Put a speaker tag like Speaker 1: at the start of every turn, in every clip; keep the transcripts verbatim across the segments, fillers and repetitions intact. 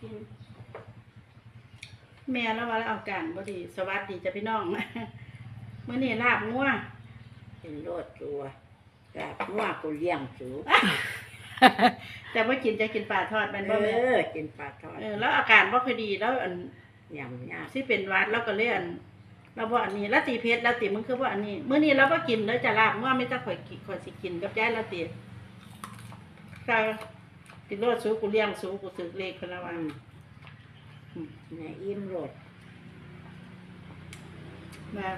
Speaker 1: แม่แล้วว่าเอาการบ่ดีสวัสดีจ้ะพี่น้องมื้อนี้ลาบงัว
Speaker 2: เป็นโลดตัวลาบงัวกูเลี้ยงสู
Speaker 1: แต่ว่ากินจะกินปลาทอดมันบ่แม่
Speaker 2: เออกินปลาทอด
Speaker 1: เออแล้วอาการบ่ค่อยดีแล้วอัน
Speaker 2: ยำยา
Speaker 1: สิเป็นหวัดแล้วก็เลยอันเราบ่อันนี้แล้วตีเพชรแล้วตีมึงคือว่าอันนี้มื้อนี้เราบ่กินเด้อจะลาบงัวไม่ต้องข่อยกินข่อยสิกินกับยายแล้วตีถ้ากินโลดสูกูเลี้ยงสูกูสึกเลขเพิ่นละว่า
Speaker 2: เนี่ยอิ่มโลด
Speaker 1: มา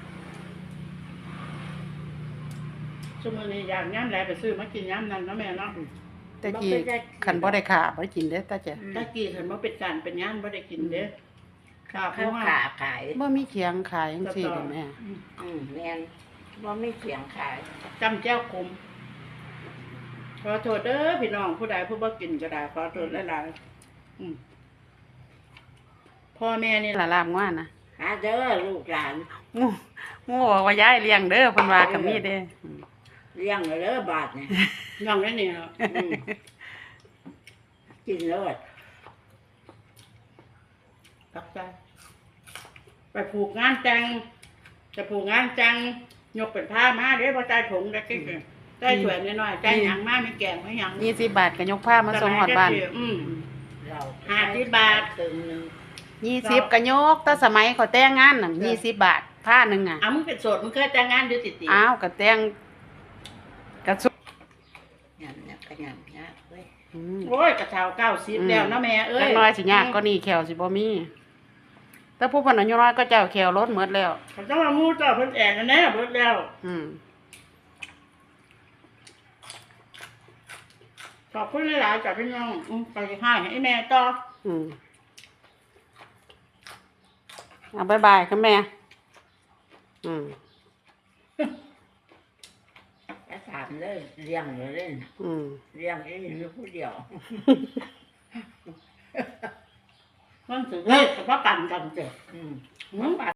Speaker 1: ชั่วโมงนี้อยากย่ำแลไปซื้อมากินย่ำนั้นเนาะแม่เนาะ
Speaker 3: ตะกี้ขันบ่ได้ขาบ่ได้กินเด้อตาจ้ะ
Speaker 1: ตะกี้ขันบ่เป็นการเป็นย่ำบ่ได้กินเด้อ
Speaker 2: ข้าวขาขาย
Speaker 3: บ่มีเขียงขายจังซี่เด้อแม่
Speaker 2: อืมแม่นบ่มีเขียงขาย
Speaker 1: จำแจ้วขมขอโทษเด้อพี่น้องผู้ใดผู้บ่กินก็ได้ขอโทษหลายๆอืมพ่อแม่นี่
Speaker 3: ละลาบงัวนะ
Speaker 2: หาเด้อลูกหลาน
Speaker 3: งูงูบอกว่ายายเลี้ยงเด้อเพิ่นว่าก็มีเด้อ
Speaker 2: เลี้ยงเด้อบาดนี่
Speaker 1: ย่องได้นี่เนาะ
Speaker 2: กินโลด
Speaker 1: ตักใจไปผูกงานจังจะผูกงานจังยกเป็นผ้ามาเด้บ่ใจถุงได้กิ๊กได้ถ้วยน้อยๆใจหยังมาไม่แกงไม่หยัง
Speaker 3: ยี่สิบบาทก็ยกผ้ามาส่งฮอดบ้าน
Speaker 1: อืม
Speaker 2: เรา
Speaker 1: ห้าสิบบาท
Speaker 2: ตึงนึง
Speaker 3: ยี่สิบก็ยกแต่สมัยเขาแต่งงานน่ะยี่สิบบาทผ้านึงอ่ะ
Speaker 1: อ้าวมึงเป็นโสดมึงเคยแต่งงานอยู่ติๆ
Speaker 3: อ้าวก็แต่งก็สุ
Speaker 2: ยำเนี่ยก็ยำยากเว้ย
Speaker 1: โอ้ยกระเช้าเก้าสิบแล้วนะแม่เอ้ย
Speaker 3: จักน้อยสิยากก็นี่แขวสิบ่มีแต่ผู้เพิ่นอายุน้อยก็เจ้าแขวลดหมดแล้ว
Speaker 1: เขาต้องมามูเจ้าเพิ่นแอนแน่เบิดแล้ว
Speaker 3: อืม
Speaker 1: ขอบคุณหลายๆจากพี่น้องอืมไปให้ให้แม่ต่อ
Speaker 3: อืมเอาบายบายค่ะแม่อืม
Speaker 2: ก็ถามเลยเลี้ยงเลยเล่น
Speaker 3: อืม
Speaker 2: เลี้ยงเองอยู่ผู้เดียว
Speaker 1: มันสิเฮ้ยก็บ่กันกันเจ้
Speaker 2: อืม